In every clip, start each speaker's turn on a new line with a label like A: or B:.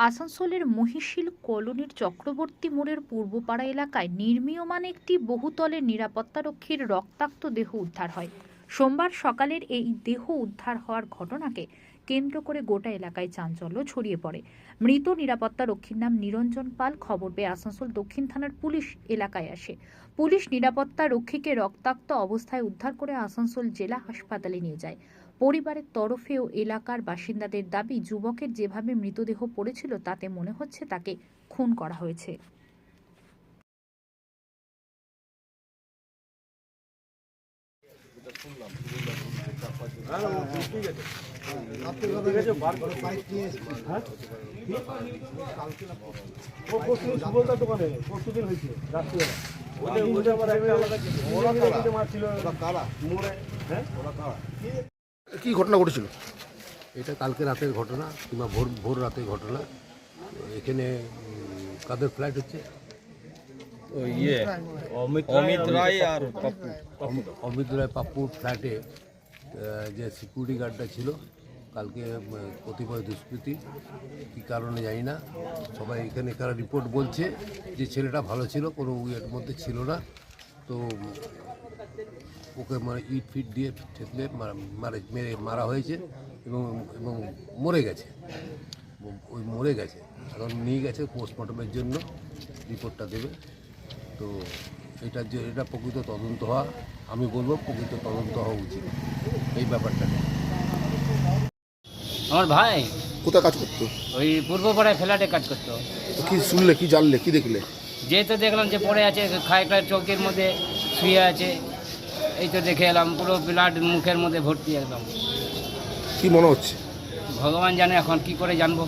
A: আসানসোলের মহিশিল কলোনির চক্রবর্তী মোড়ের পূর্বপাড়া এলাকায় নির্মীয়মান একটি বহুতলের নিরাপত্তারক্ষীর রক্তাক্ত দেহ উদ্ধার হয়। সোমবার সকালের এই দেহ উদ্ধার হওয়ার ঘটনাকে কেন্দ্র করে গোটা এলাকায় চাঞ্চল্য ছড়িয়ে পড়ে। মৃত নিরাপত্তারক্ষীর নাম নিরঞ্জন পাল। খবর পেয়ে আসানসোল দক্ষিণ থানার পুলিশ এলাকায় আসে। পুলিশ নিরাপত্তা রক্ষীকে রক্তাক্ত অবস্থায় উদ্ধার করে আসানসোল জেলা হাসপাতালে নিয়ে যায়। পরিবারের তরফেও এলাকার বাসিন্দাদের দাবি, যুবকের যেভাবে মৃতদেহ পড়েছিল তাতে মনে হচ্ছে তাকে খুন করা হয়েছে।
B: কি ঘটনা ঘটেছিল?
C: এটা কালকে রাতের ঘটনা কিংবা ভোর রাতের ঘটনা। এখানে কাদের ফ্ল্যাট হচ্ছে?
D: অমিত রায় আর
C: অমিত রায় পাপ্পুর ফ্ল্যাটে যে সিকিউরিটি গার্ডটা ছিল, কালকে কতিপয় দুষ্কৃতী কী কারণে জানি না, সবাই এখানে রিপোর্ট বলছে যে ছেলেটা ভালো ছিল, কোনো এর মধ্যে ছিল না। তো ওকে ইট ফিট দিয়ে ঠেকলে মেরে মারা হয়েছে এবং মরে গেছে। মরে গেছে, এখন নিয়ে গেছে পোস্টমর্টমের জন্য, রিপোর্টটা দেবে। তো এটা প্রকৃত তদন্ত হওয়া, আমি বলবো প্রকৃত তদন্ত হওয়া উচিত এই ব্যাপারটা।
E: আমার ভাই
B: কোথায় কাজ করতো?
E: ওই পূর্বপাড়ায় ফ্ল্যাটে কাজ করতো।
B: তো কি শুনলে, কি জানলে, কি দেখলে?
E: যে তো দেখলাম যে পড়ে আছে, খায়টা চৌকির মধ্যে শুয়ে আছে, এই তো দেখে এলাম, পুরো ব্লাড মুখের মধ্যে ভর্তি একদম।
B: কি মনে হচ্ছে?
E: ভগবান জানে, এখন কি করে জানবো।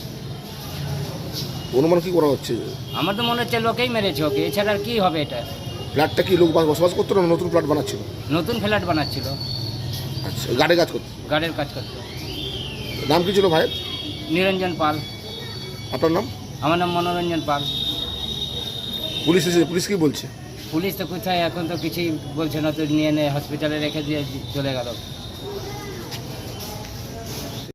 B: অনুমান কি করা হচ্ছে?
E: আমার তো মনে হচ্ছে লোকেই মেরেছে ওকে, এছাড়া আর কি হবে। এটা
B: ফ্ল্যাটটা কি লোক বসবাস করতো না নতুন ফ্ল্যাট বানাচ্ছিল?
E: নতুন ফ্ল্যাট বানাচ্ছিল,
B: আচ্ছা, গাড়ি কাজ করতো?
E: গার্ডের কাজ করতো।
B: নাম কি ছিল ভাইয়ের?
E: নিরঞ্জন পাল।
B: আপনার নাম?
E: আমার নাম মনোরঞ্জন পাল।
B: পুলিশ এসেছে, পুলিশ কি বলছে?
E: পুলিশ তো কোথায়, এখন তো কিছুই বলছে না, তো নিয়ে হসপিটালে রেখে দিয়ে চলে গেল।